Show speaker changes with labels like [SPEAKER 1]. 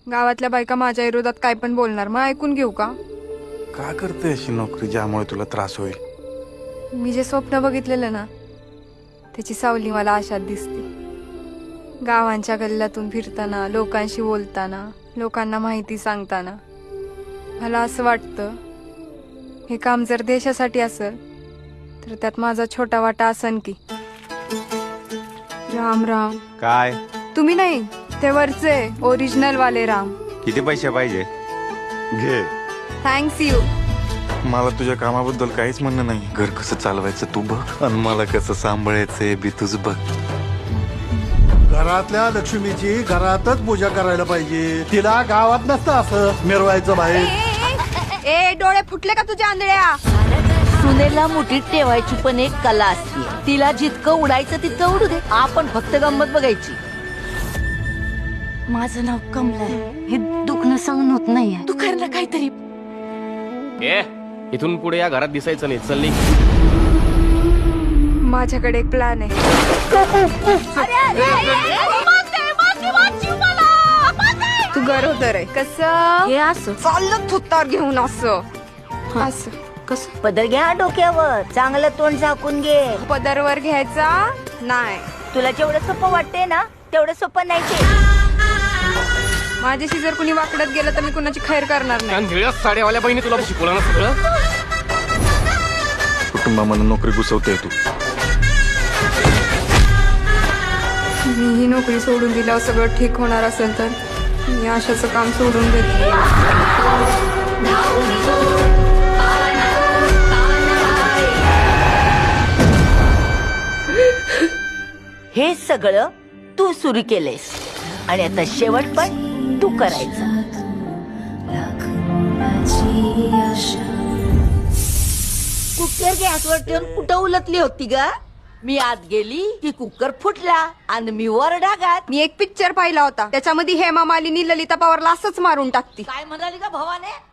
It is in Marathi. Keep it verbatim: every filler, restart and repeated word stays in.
[SPEAKER 1] गावातल्या बायका माझ्या विरोधात काय पण बोलणार, मग ऐकून घेऊ का?
[SPEAKER 2] का करते अशी नोकरी ज्यामुळे तुला त्रास होईल?
[SPEAKER 1] मी जे स्वप्न बघितलेलं ना त्याची सावली मला आशात दिसते. गावांच्या गल्ल्यातून फिरताना, लोकांशी बोलताना, लोकांना माहिती सांगताना मला असं वाटतं हे काम जर देशासाठी असेल तर त्यात माझा छोटा वाटा असन की. राम राम.
[SPEAKER 3] काय?
[SPEAKER 1] तुम्ही नाही, ते वरचे ओरिजिनल वाले राम.
[SPEAKER 3] किती पैसे पाहिजे?
[SPEAKER 2] घे.
[SPEAKER 1] Thanks you.
[SPEAKER 2] मला तुझ्या कामाबद्दल काहीच म्हणणं नाही. घर कसं चालवायचं तू बघ, आणि मला कसं सांभाळायचंय बी तुझ बघ.
[SPEAKER 4] घरातल्या लक्ष्मीची घरातच पूजा करायला पाहिजे, तिला गावात नसतं असं मिरवायचं बाहेर.
[SPEAKER 1] ए डोळे फुटले का तुझ्या आंधळ्या?
[SPEAKER 5] सुनेला मुठीत ठेवायची पण एक कला असते. तिला जितकं उडायचं तितकं उडू दे, आपण फक्त गंमत बघायची. माझं नाव कमला आहे. हे दुखणं सहन होत नाही. तू कर ना काहीतरी.
[SPEAKER 6] ए इथून पुढे या घरात दिसायचं नाही. चल निघ.
[SPEAKER 1] माझ्याकडे एक प्लॅन आहे. तू गरोदर आहे. कसं?
[SPEAKER 5] हे असं
[SPEAKER 1] चाललं थुत्तार घेऊन असं असं
[SPEAKER 5] कसं? पदर घ्या डोक्यावर, चांगलं तोंड झाकून घे.
[SPEAKER 1] पदरवर घ्यायचा नाही.
[SPEAKER 5] तुला जेवढं सोपं वाटते ना तेवढं सोपं नाही ते.
[SPEAKER 1] माझ्याशी जर कुणी वाकडत गेलं तर मी कुणाची खैर करणार नाही.
[SPEAKER 6] निळ्या साड्यावाल्या बहिणी तुला शिकवलं ना सगळं.
[SPEAKER 2] कुटुंबामध्ये नोकरी घुसवते तू.
[SPEAKER 1] मी ही नोकरी सोडून दिल्यावर सगळं ठीक होणार असेल तर मी आशाचं काम सोडून देते.
[SPEAKER 5] हे सगळं तू सुरू केलेस आणि आता शेवट पण तू करायचा. कुकर गॅसवर ठेवून कुठं उलटली होती ग? मी आत गेली की कुकर फुटला आणि मी वर डागात.
[SPEAKER 1] मी एक पिक्चर पाहिला होता, त्याच्यामध्ये हेमा मालिनी ललिता पवारला असंच मारून टाकती.
[SPEAKER 5] काय म्हणाली का भावाने?